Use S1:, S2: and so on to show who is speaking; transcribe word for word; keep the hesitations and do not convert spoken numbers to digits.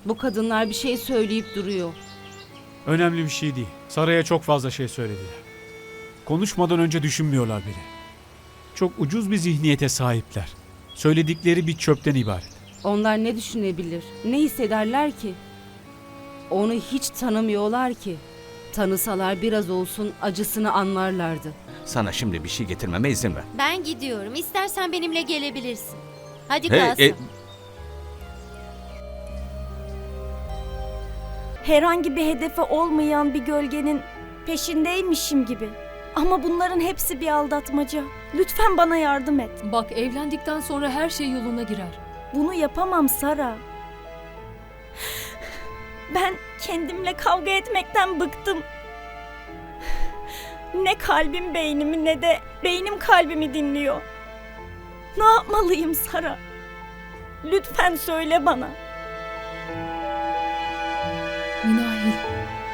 S1: Bu kadınlar bir şey söyleyip duruyor.
S2: Önemli bir şey değil. Saray'a çok fazla şey söylediler. Konuşmadan önce düşünmüyorlar bile. Çok ucuz bir zihniyete sahipler. Söyledikleri bir çöpten ibaret.
S1: Onlar ne düşünebilir, ne hissederler ki? Onu hiç tanımıyorlar ki. Tanısalar biraz olsun acısını anlarlardı.
S3: Sana şimdi bir şey getirmeme izin ver.
S4: Ben gidiyorum. İstersen benimle gelebilirsin. Hadi
S3: Hey,
S4: Kasım.
S3: e,
S5: Herhangi bir hedefi olmayan bir gölgenin peşindeymişim gibi. Ama bunların hepsi bir aldatmaca. Lütfen bana yardım et.
S6: Bak, evlendikten sonra her şey yoluna girer.
S5: Bunu yapamam Sara. Ben kendimle kavga etmekten bıktım. Ne kalbim beynimi ne de beynim kalbimi dinliyor. Ne yapmalıyım Sara? Lütfen söyle bana.
S6: Minahil,